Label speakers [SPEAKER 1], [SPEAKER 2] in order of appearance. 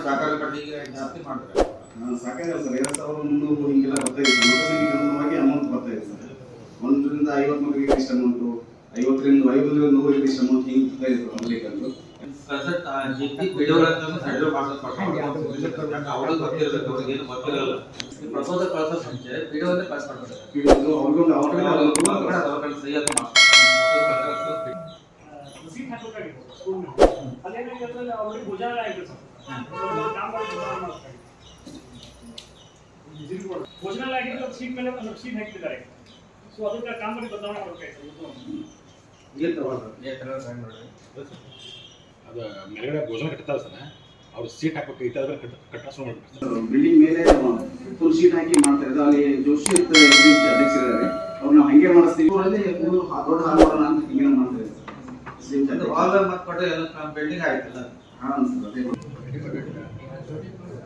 [SPEAKER 1] ಸಹಕಾರ ಕಟ್ಟಿಗೆ ಜಾಸ್ತಿ ಮಾಡ್ತಾರೆ.
[SPEAKER 2] ಸಾಕಾಗಲ್ಲ ಸರ್, 2300 ಹಿಂಗೆಲ್ಲ ಬರ್ತಾ ಇದೆ. ಮತಸಂಖ್ಯೆಗೆ ಅನುಗುಣವಾಗಿ ಅಮೌಂಟ್ ಬರ್ತಾ ಇದೆ ಸರ್. 1 ರಿಂದ 50 ಮಕ್ಕಳಿಗೆ ಇಷ್ಟು ಅಮೌಂಟು, 50 ರಿಂದ 100 ಇಷ್ಟು ಅಮೌಂಟ್ ಹಿಂಗೆ ಬರ್ತಾ ಇದೆ ಮೊದಲಿಗೆ ಅಂದ್ರು.
[SPEAKER 1] ಅವ್ರಿಗೆ ಗೊತ್ತಿರಬೇಕು, ಅವ್ರಿಗೆ ಏನು ಗೊತ್ತಿರಲ್ಲ. ಪ್ರಪೋಸಲ್ ಕಳ್ಸೋ ಮುಂಚೆ ವಿಡಿಯೋನೇ ಪಾಸ್ ಮಾಡ್ತಾರೆ.
[SPEAKER 2] ಅವ್ರಿಗೊಂದು ಅವಕಾಶ
[SPEAKER 1] ಸರಿಯಾದ
[SPEAKER 3] ಸೀಟ್ ಹಾಕಬೇಕಾಗಿತ್ತು ಸ್ಕೂಲ್ನ. ಅದೇನಾಗಿರ್ತದೆ ಅವ್ರಿಗೆ ಭುಜಾಲ ಆಗಿದೆ ಸರ್. ಭೋಜನಾಲ ಆಗಿದ್ದು ಸೀಟ್ ಮೇಲೆ ಒಂದು ಸೀಟ್ ಹಾಕಿದ್ದಾರೆ. ಸೊ ಅದಕ್ಕೆ ಕಾಮಗಾರಿ ಬದಲಾವಣೆ ಮಾಡಬೇಕಾಯ್ತು.
[SPEAKER 4] ಅದು ಮೇಲ್ಗಡೆ ಭೋಜನ ಕಟ್ತಾರೆ ಸರ್, ಅವ್ರು ಸೀಟ್ ಹಾಕಬೇಕು ಇತ್ತಾದ್ರೆ ಕಟ್ಟ ಶುರು ಮಾಡ್ತಾರೆ.
[SPEAKER 2] ಬಿಲ್ಡಿಂಗ್ ಮೇಲೆ ಫುಲ್ ಶೀಟ್ ಹಾಕಿ ಮಾಡ್ತಾರೆ. ಅಲ್ಲಿ ಜೋಶಿ ಅಧ್ಯಕ್ಷರಿದ್ದಾರೆ, ಅವ್ರು ನಾವು ಹಂಗೆ ಮಾಡಿಸ್ತೀವಿ. ಊರಲ್ಲಿ ದೊಡ್ಡ ಹಾಲ್ ಮಾಡೋಣ ಅಂತ ಹಿಂಗೆ ಮಾಡ್ತಾರೆ.
[SPEAKER 1] ಹಾಲ್ ಮತ್ತೆ ಎಲ್ಲ ಬಿಲ್ಡಿಂಗ್ ಆಯ್ತಲ್ಲ.
[SPEAKER 2] ಹಾಂ ಸರ್, ಅದೇ